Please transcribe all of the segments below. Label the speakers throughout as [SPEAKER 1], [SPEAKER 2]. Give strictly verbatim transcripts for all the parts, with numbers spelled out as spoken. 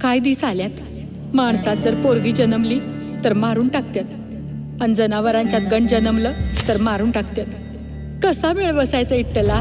[SPEAKER 1] काय दिस आल्यात माणसात जर पोरगी जन्मली तर मारून टाकत्यात आणि जनावरांच्यात गण जन्मलं तर मारून टाकत्यात कसा मेळ बसायचा इट्टला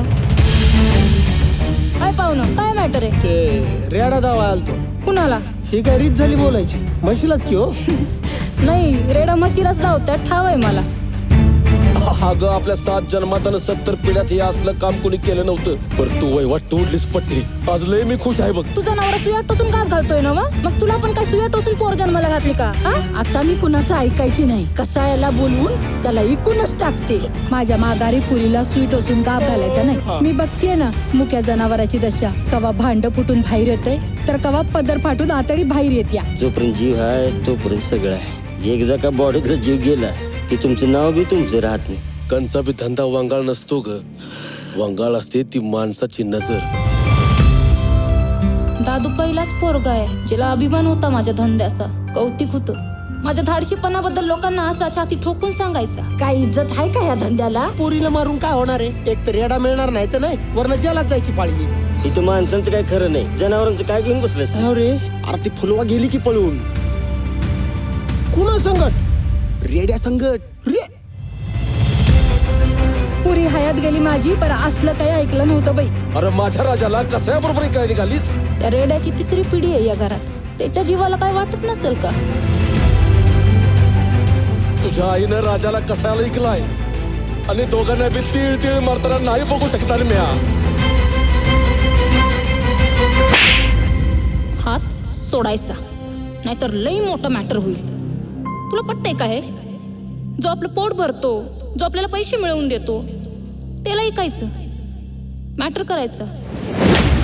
[SPEAKER 2] काय पाहुणं काय मॅटर आहे
[SPEAKER 3] ते रेडा दावा आलतो
[SPEAKER 2] कुणाला
[SPEAKER 3] ही काय रीत झाली बोलायची म्हणशीलच की हो
[SPEAKER 2] नाही रेडा म्हशीलाच धावत्यात ठाव आहे मला
[SPEAKER 4] अगं आपल्या सात जन्मात सत्तर पिढ्यात हे असलं काम कोणी केलं नव्हतं पर तू वैवाट तोडलीस पट्टी आज लय मी खुश आहे बघ
[SPEAKER 2] तुझा नवरा सुया टोचून का घालतोय ना वा? मग तुला पण काय सुया टोचून पोर जन्माला घातली का हा?
[SPEAKER 5] आता मी कुणाचं ऐकायची नाही कसा याला बोलवून त्याला इकूनच टाकते.
[SPEAKER 1] माझ्या माघारी पुरीला सुई टोचून गाप घालायचा नाही मी बघतेय ना मुक्या जनावराची दशा कवा भांड फुटून बाहेर येते तर कवा पदर फाटून आतडी बाहेर येत्या
[SPEAKER 6] जोपर्यंत जीव आहे तोपर्यंत सगळं आहे एकदा का बॉडीतला जीव गेला की तुमचं नाव बी तुमचं राहत नाही.
[SPEAKER 4] कंचा बी धंदा वंगाळ नसतो ग वंगाळ असते ती माणसाची नजर.
[SPEAKER 2] दादू पहिलाच पोरगा आहे ज्याला अभिमान होता माझ्या धंद्याचा कौतिक होतं माझ्या धाडशीपणाबद्दल लोकांना असा छाती ठोकून सांगायचा.
[SPEAKER 5] काय इज्जत आहे का या धंद्याला?
[SPEAKER 3] पोरीला मारून काय होणार आहे एक तर रेडा मिळणार नाही तर नाही वरनं जेलात जायची पाळी येईल.
[SPEAKER 6] इथं माणसांचं काय खरं नाही जनावरांचं काय घेऊन बसलंस तू?
[SPEAKER 3] अरे
[SPEAKER 4] अरे ती फुलवा गेली की पळून
[SPEAKER 3] कुणा संकट
[SPEAKER 4] रेड्या संगट
[SPEAKER 3] रे
[SPEAKER 1] पुरी हयात गेली माझी पर असलं काही ऐकलं नव्हतं बाई.
[SPEAKER 4] अरे माझ्या राजाला कसा बरोबर काय निघालीस.
[SPEAKER 2] त्या रेड्याची तिसरी पिढी आहे या घरात त्याच्या जीवाला काय वाटत नसेल का
[SPEAKER 4] तुझ्या आईनं राजाला कसायला ऐकलाय आणि दोघांना बी तीळ तीळ मारताना नाही बघू शकता रे म्या.
[SPEAKER 2] हात सोडायचा नाहीतर लई मोठं मॅटर होईल. तुला पटतंय का हे जो आपलं पोट भरतो जो आपल्याला पैसे मिळवून देतो त्याला ऐकायचं मॅटर करायचं